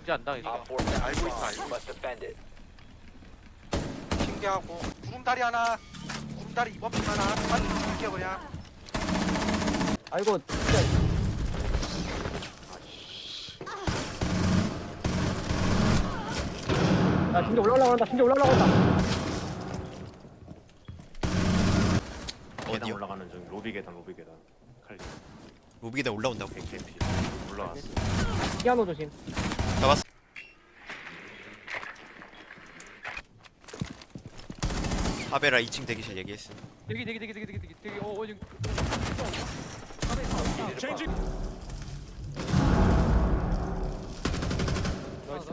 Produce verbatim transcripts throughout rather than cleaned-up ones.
절대 안 당해. Op four found 알고 the 있어, bomb. 알고 You must defend it. 신기하고 구름다리 하나 구름다리 이번 핑 하나 빨리 죽일게 그냥. 아이고 진짜. 나 진짜 올라가려고 한다. 진짜 올라가려고 한다. 계단 어디요? 올라가는 중 로비 계단 로비 계단 칼리 로비기다 올라온다고. 개피 올라왔어. 피아노 조심. 잡았어. 하베라 이 층 대기실 얘기했음. 되게 되게 되게 되게 되게 되게 되게 어 어디 Changing. 나이스.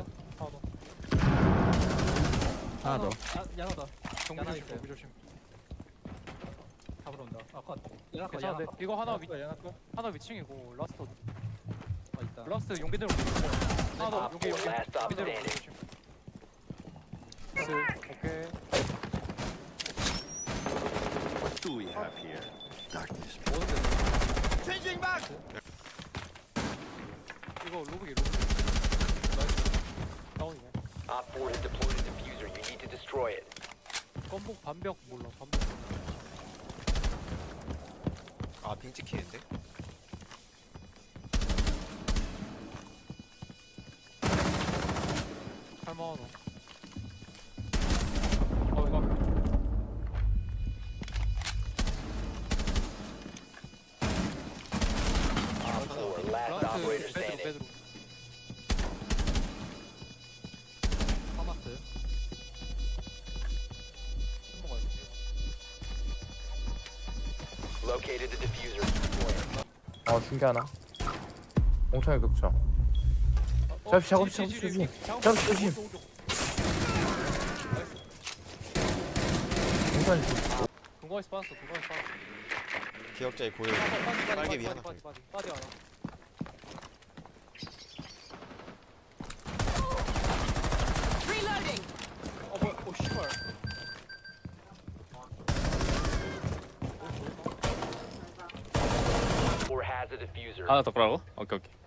하나 더. 야나 더. 정비 조심. 정비 조심. 잡으러 온다. 아, 컷. 야나 컷. 괜찮은데? 야나 컷. 이거 하나 위 야나 컷. 하나 위층이고 라스트 아, 있다. 라스트 용기대로 하나 더 Op 용기 four 용기 last stop 용기대로 standing. 조심. 오케이. What do we have here? 이거 로그기 로그. 나이스. 다운이네. Op four has deployed a diffuser. You need to destroy it. 건복 반벽 몰라 반벽. 아, 핑 찍히는데? 할만하노. 어 이거. Op four last operator 라스트 베드로 standing. 베드로. 파마스. 먹어야 돼. Located the diffuser. Destroy it. 어 신기하나? 옹창의 극점. 잡시 작업 작업 조심. 작업 조심. 옹창 조심. 동거에서 빠졌어 동거에서 빠졌어. 기억자의 고열. 빨개 위 하나. 빠지 빠지 빠지 하나. 어 뭐야 오 씨발. Four has a diffuser. 하나 더 거라고? 오케이, 오케이.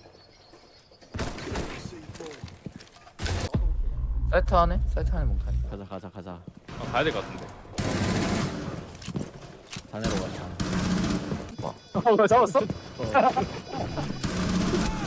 사이트 안에? 사이트 안에 몽탄. 가자, 가자, 가자. 어, 가야 될 것 같은데. 자네로 가자. 어, 잡았어?